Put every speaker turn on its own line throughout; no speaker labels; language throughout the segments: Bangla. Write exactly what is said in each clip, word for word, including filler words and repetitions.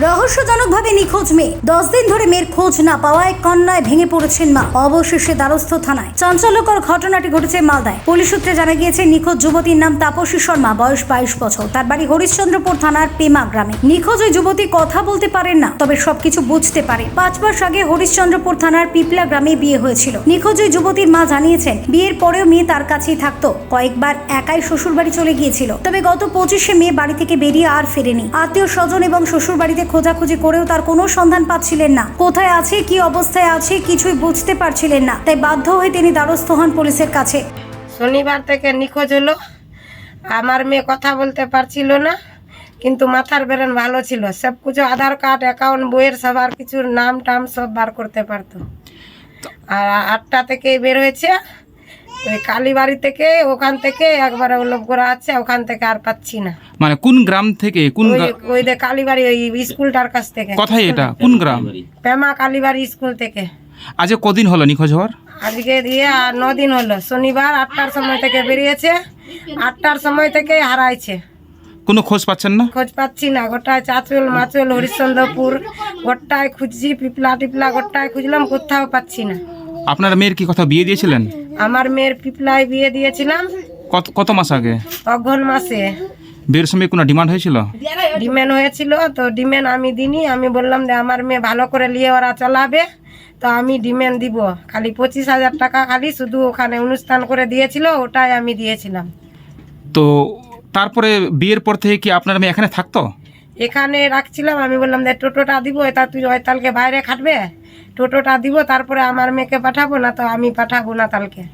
রহস্যজনকভাবে নিখোঁজ মেয়ে। দশ দিন ধরে মেয়ের খোঁজ না পাওয়ায় কান্নায় ভেঙে পড়েছেন মা। অবশেষে দ্বারস্থ থানায়। চাঞ্চল্যকর ঘটনাটি ঘটেছে মালদায়। পুলিশ সূত্রে জানা গিয়েছে, নিখোঁজ যুবতীর নাম তাপসী শর্মা, বয়স বাইশ বছর। তার বাড়ি হরিশ্চন্দ্রপুর থানার পেমা গ্রামে। নিখোঁজ ওই যুবতী কথা বলতে পারেন না, তবে সবকিছু বুঝতে পারে। পাঁচ মাস আগে হরিশ্চন্দ্রপুর থানার পিপলা গ্রামে বিয়ে হয়েছিল। নিখোঁজ ওই যুবতীর মা জানিয়েছেন, বিয়ের পরেও মেয়ে তার কাছেই থাকতো। কয়েকবার একাই শ্বশুর বাড়ি চলে গিয়েছিল, তবে গত পঁচিশে মে বাড়ি থেকে বেরিয়ে আর ফেরেনি। আত্মীয় স্বজন এবং শ্বশুর বাড়িতে খোঁজাখুঁজি করেও তার কোনো সন্ধান পাচ্ছিলেন না। কোথায় আছে, কি অবস্থায় আছে, কিছুই বুঝতে পারছিলেন না। তাই বাধ্য হয়ে তিনি দ্বারস্থ হন পুলিশের কাছে।
শনিবার থেকে নিখোঁজ হলো। আমার মেয়ে কথা বলতে পারছিল না, কিন্তু মাথার ব্রেন ভালো ছিল। সব কিছু আধার কার্ড, অ্যাকাউন্ট, বইয়ের সবার কিছুর নাম টাম সব বার করতে পারতো। আর আটটা থেকে বের হয়েছে ওই কালীবাড়ি থেকে, ওখান থেকে একবারে ওলভ করা আছে, ওখান থেকে আর পাচ্ছি না।
মানে কোন গ্রাম থেকে? কোন
ওই- ওই যে কালীবাড়ি ওই স্কুলটার কাছ থেকে।
কোথায় এটা? কোন গ্রাম?
পেমা কালীবাড়ি স্কুল থেকে।
আজকে কদিন হলো নিখোঁজ হওয়ার?
আজকে দিয়ে আর দিন হলো। শনিবার আটটার সময় থেকে বেরিয়েছে, আটটার সময় থেকে হারাইছে।
কোনো খোঁজ পাচ্ছেন না?
খোঁজ পাচ্ছি না। গোটায় চাঁচল মাচল হরিশ্চন্দ্রপুর গোটায় খুঁজছি, পিপলা টিপলা গোটায় খুঁজলাম, কোথাও পাচ্ছি না।
আপনার মেয়ের কি কথা বিয়ে দিয়েছিলেন?
আমার মেয়ের পিপলায় বিয়ে দিয়েছিলাম
কত কত মাস আগে?
অঘ্রাণ মাসে।
বিয়ের সময় কোনো ডিমান্ড হয়েছিল?
ডিমেন হয়েছিল, তো ডিমেন আমি দিনি। আমি বললাম যে আমার মেয়ে ভালো করে নিয়ে ওরা চলাবে, তো আমি ডিমেন দিব। খালি পঁচিশ হাজার টাকা খালি শুধু ওখানে অনুষ্ঠান করে দিয়েছিল, ওটাই আমি দিয়েছিলাম।
তো তারপরে বিয়ের পর থেকে কি আপনার মেয়ে এখানে থাকতো?
এখানে রাখছিলাম। আমি বললাম যে টোটোটা দিব, এটা তুই ওই তালকে বাইরে খাটবে, টোটোটা দিব, তারপরে আমার মেয়েকে পাঠাবো, না তো আমি পাঠাবো না তালকে।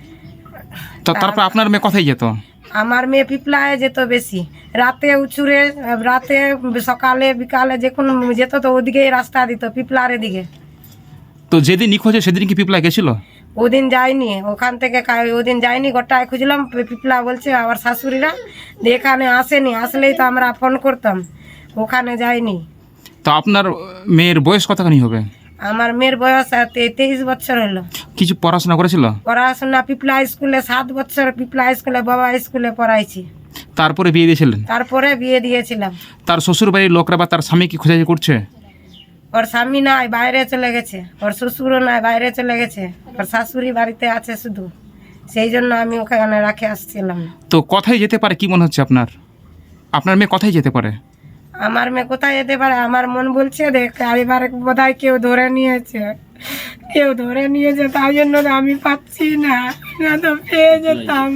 তো তারপর আপনার মেয়ে কোথায় যেত?
আমার মেয়ে পিপলায় যেত বেশি, রাতে উচুরে, রাতে সকালে বিকালে যে কোনো যেত, তো ওদিকেই রাস্তা দিত, পিপলার দিকে।
তো যেদিন নিখোঁজ হয় সেদিন কি পিপলা গেছিল?
ওদিন যায়নি, ওখান থেকে কা- ওদিন যায়নি। গোটায় খুঁজলাম, পিপলা বলছে আমার শাশুড়িরা যে এখানে আসেনি, আসলেই তো আমরা ফোন করতাম। ওখানে যায়নি।
তো আপনার মেয়ের বয়স কতখানি হবে?
আমার মেয়ের বয়স আর তে- তেইশ বছর হলো।
কিছু পড়াশোনা করেছিল?
পড়াশোনা পিপলা স্কুলে সাত বছর, পিপলা স্কুলে বাবা স্কুলে পড়াইছি।
তারপরে বিয়ে দিয়েছিলেন?
তারপরে বিয়ে দিয়েছিলাম।
তার শ্বশুর বাড়ির লোকরা বা তার স্বামী কি খোঁজাখুঁজি করছে?
ওর স্বামী নাই, বাইরে চলে গেছে। ওর শ্বশুরও নাই, বাইরে চলে গেছে। ওর শাশুড়ি বাড়িতে আছে শুধু, সেই জন্য আমি ওখানে রাখে আসছিলাম।
তো কোথায় যেতে পারে কি মনে হচ্ছে আপনার? আপনার মেয়ে কোথায় যেতে পারে?
আমার মেয়ে কোথায় যেতে পারে, আমার মন বলছে দেখ এবার বোধহয় কেউ ধরে নিয়েছে, কেউ ধরে নিয়েছে, তাই জন্য তো আমি পাচ্ছি না, না তো পেয়ে যেতাম।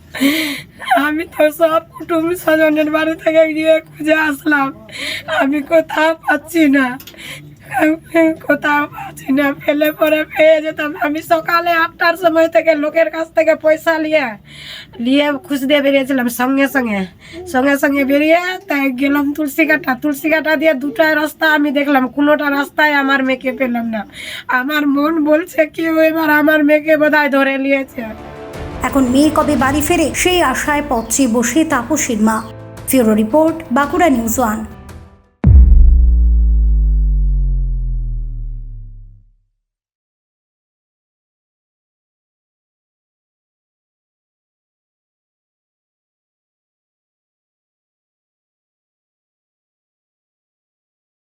আমি তো সব কুটুম স্বজনের বাড়ি থেকে গিয়ে খুঁজে আসলাম, আমি কোথাও পাচ্ছি না, কোথাও পাচ্ছি না। ফেলে পরে পেয়ে যেতাম। আমি সকালে আটটার সময় থেকে লোকের কাছ থেকে পয়সা নিয়ে নিয়ে খুঁজতে বেরিয়েছিলাম। সঙ্গে সঙ্গে সঙ্গে সঙ্গে বেরিয়ে তাই গেলাম তুলসী কাটা। তুলসী কাটা দিয়ে দুটায় রাস্তা আমি দেখলাম, কোনোটা রাস্তায় আমার মেয়েকে পেলাম না। আমার মন বলছে কেউ এবার আমার মেয়েকে বোধহয় ধরে নিয়েছে।
এখন মেয়ে কবে বাড়ি ফেরে সেই আশায় পথ চেয়ে বসে তাপসীর মা। Bureau report, Bankura news one.